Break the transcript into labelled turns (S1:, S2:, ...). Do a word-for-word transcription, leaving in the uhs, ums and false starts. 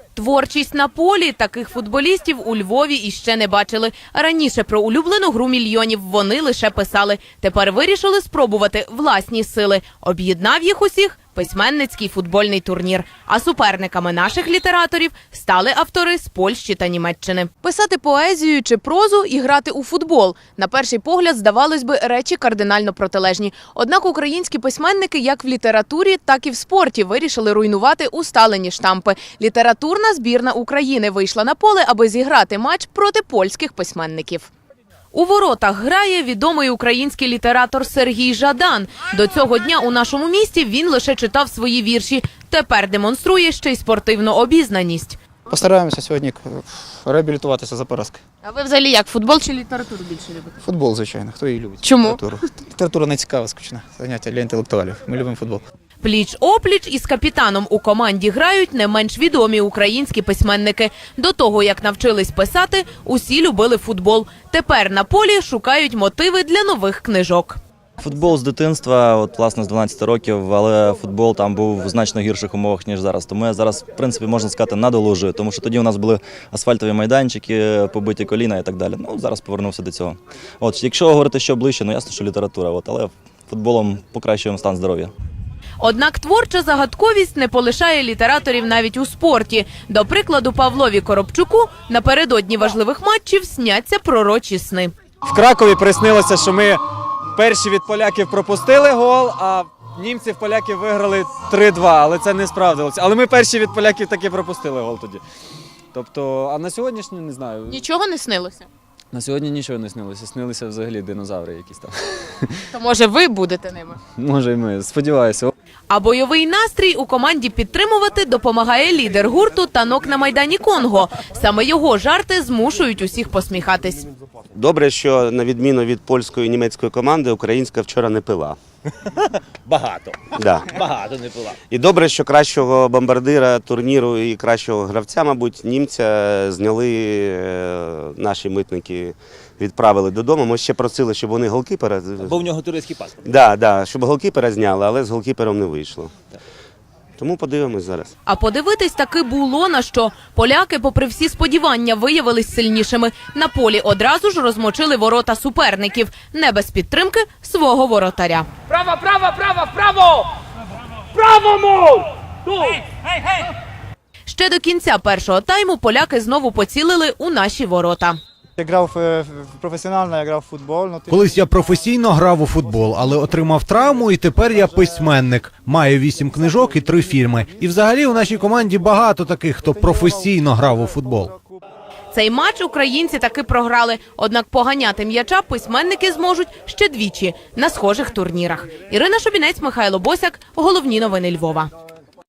S1: Творчість на полі. Таких футболістів у Львові іще не бачили. Раніше про улюблену гру мільйонів вони лише писали. Тепер вирішили спробувати власні сили. Об'єднав їх усіх письменницький футбольний турнір. А суперниками наших літераторів стали автори з Польщі та Німеччини. Писати поезію чи прозу і грати у футбол. На перший погляд, здавалось би, речі кардинально протилежні. Однак українські письменники як в літературі, так і в спорті вирішили руйнувати усталені штампи. Літературна збірна України вийшла на поле, аби зіграти матч проти польських письменників. У воротах грає відомий український літератор Сергій Жадан. До цього дня у нашому місті він лише читав свої вірші. Тепер демонструє ще й спортивну обізнаність.
S2: Постараємося сьогодні реабілітуватися за поразки.
S1: А ви взагалі як, футбол чи літературу більше любите?
S2: Футбол, звичайно. Хто її любить?
S1: Чому?
S2: Літературу. Література не цікава, скучна. Заняття для інтелектуалів. Ми любимо футбол.
S1: Пліч-опліч із капітаном у команді грають не менш відомі українські письменники. До того, як навчились писати, усі любили футбол. Тепер на полі шукають мотиви для нових книжок.
S3: Футбол з дитинства, от, власне, з дванадцяти років, але футбол там був в значно гірших умовах, ніж зараз. Тому я зараз, в принципі, можна сказати, надолужую, тому що тоді у нас були асфальтові майданчики, побиті коліна і так далі. Ну, зараз повернувся до цього. От, якщо говорити, що ближче, ну ясно, що література, от, але футболом покращуємо стан здоров'я.
S1: Однак творча загадковість не полишає літераторів навіть у спорті. До прикладу, Павлові Коробчуку напередодні важливих матчів сняться пророчі сни.
S4: В Кракові приснилося, що ми перші від поляків пропустили гол, а німці в поляків виграли три-два, але це не справдилося. Але ми перші від поляків таки пропустили гол тоді. Тобто, а на сьогоднішній, не знаю.
S1: Нічого не снилося?
S4: На сьогодні нічого не снилося, снилися взагалі динозаври якісь там.
S1: То може ви будете ними?
S4: Може і ми, сподіваюся.
S1: А бойовий настрій у команді підтримувати допомагає лідер гурту «Танок на Майдані Конго». Саме його жарти змушують усіх посміхатись.
S5: Добре, що на відміну від польської і німецької команди, українська вчора не пила.
S6: Багато.
S5: Да.
S6: Багато не пила.
S5: І добре, що кращого бомбардира турніру і кращого гравця, мабуть, німця зняли наші митники, відправили додому. Ми ще просили, щоб вони голкіпера...
S6: Бо в нього турецький паспорт.
S5: Да, да, щоб голкіпера зняли, але з голкіпером не вийшло. Тому подивимось зараз.
S1: А подивитись таки було на що. Поляки, попри всі сподівання, виявились сильнішими. На полі одразу ж розмочили ворота суперників. Не без підтримки свого воротаря.
S7: Право, право, право, право! Право, мов! Гей, гей, гей!
S1: Ще до кінця першого тайму поляки знову поцілили у наші ворота.
S2: Я грав професіонально, я грав в футбол.
S8: Колись я професійно грав у футбол, але отримав травму і тепер я письменник. Маю вісім книжок і три фільми. І взагалі у нашій команді багато таких, хто професійно грав у футбол.
S1: Цей матч українці таки програли, однак поганяти м'яча письменники зможуть ще двічі на схожих турнірах. Ірина Шубінець, Михайло Босяк. Головні новини Львова.